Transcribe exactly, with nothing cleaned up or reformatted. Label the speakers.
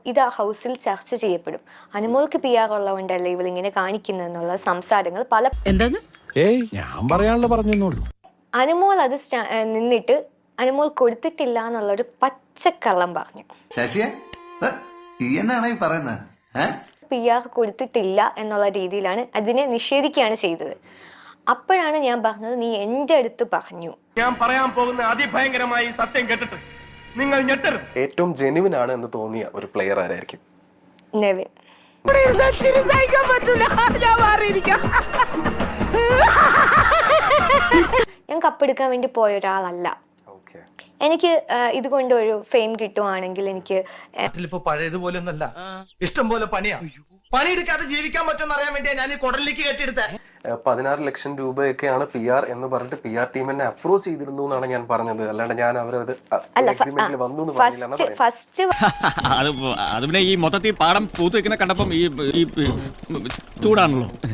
Speaker 1: ഇത് ആ ഹൗസിൽ ചർച്ച ചെയ്യപ്പെടും. അനുമോൾക്ക് പി ആർ ഉള്ളതുകൊണ്ടല്ലേ ഇവൾ ഇങ്ങനെ കാണിക്കുന്നുള്ള സംസാരങ്ങൾ പല
Speaker 2: എന്താണ്
Speaker 3: ഏയ് ഞാൻ പറയാനുള്ള പറഞ്ഞെന്നുള്ളൂ.
Speaker 1: അനുമോൾ അത് നിന്നിട്ട് അനുമോൾ കൊടുത്തിട്ടില്ല എന്നുള്ളൊരു പച്ചക്കള്ളം പറഞ്ഞു.
Speaker 4: ശശിയെ എന്നാണ് ഈ പറയുന്നത്?
Speaker 1: പി ആർ കൊടുത്തിട്ടില്ല എന്നുള്ള രീതിയിലാണ് അതിനെ നിഷേധിക്കുകയാണ് ചെയ്തത്. അപ്പോഴാണ് ഞാൻ പറഞ്ഞത് നീ എന്റെ അടുത്ത് പറഞ്ഞു.
Speaker 5: ഞാൻ പറയാൻ പോകുന്ന അതിഭയങ്കരമായി സത്യം കേട്ടിട്ട് നിങ്ങൾ ഞെട്ടരുത്.
Speaker 6: ഏറ്റവും ജെനുവിൻ ആണ് എന്ന് തോന്നിയ ഒരു പ്ലെയർ ആരായിരിക്കും?
Speaker 1: നെവിൻ. ഞാൻ കപ്പെടുക്കാൻ വേണ്ടി പോയ ഒരാളല്ല. എനിക്ക് ഇതുകൊണ്ട് ഒരു ഫെയിം കിട്ടുവാണെങ്കിൽ എനിക്ക്
Speaker 7: പഴയതുപോലെ ഒന്നല്ല, ഇഷ്ടം പോലെ പണിയാ. പണിയെടുക്കാതെ ജീവിക്കാൻ പറ്റുമെന്ന് അറിയാൻ വേണ്ടിയാ ഞാൻ ഈ കുടലിലേക്ക് കെട്ടിയെടുത്തേ.
Speaker 6: പതിനാറ് ലക്ഷം രൂപയൊക്കെയാണ് പി ആർ എന്ന് പറഞ്ഞിട്ട് പി ആർ ടീം എന്നെ അപ്രോച്ച് ചെയ്തിരുന്നു എന്നാണ് ഞാൻ പറഞ്ഞത്. അല്ലാണ്ട് ഞാൻ അവരത് വന്നു
Speaker 1: ഫസ്റ്റ്
Speaker 3: അത് പിന്നെ ഈ മൊത്തത്തിൽ പാടം പൂത്ത് വെക്കുന്ന കണ്ടപ്പം ഈ ചൂടാണല്ലോ.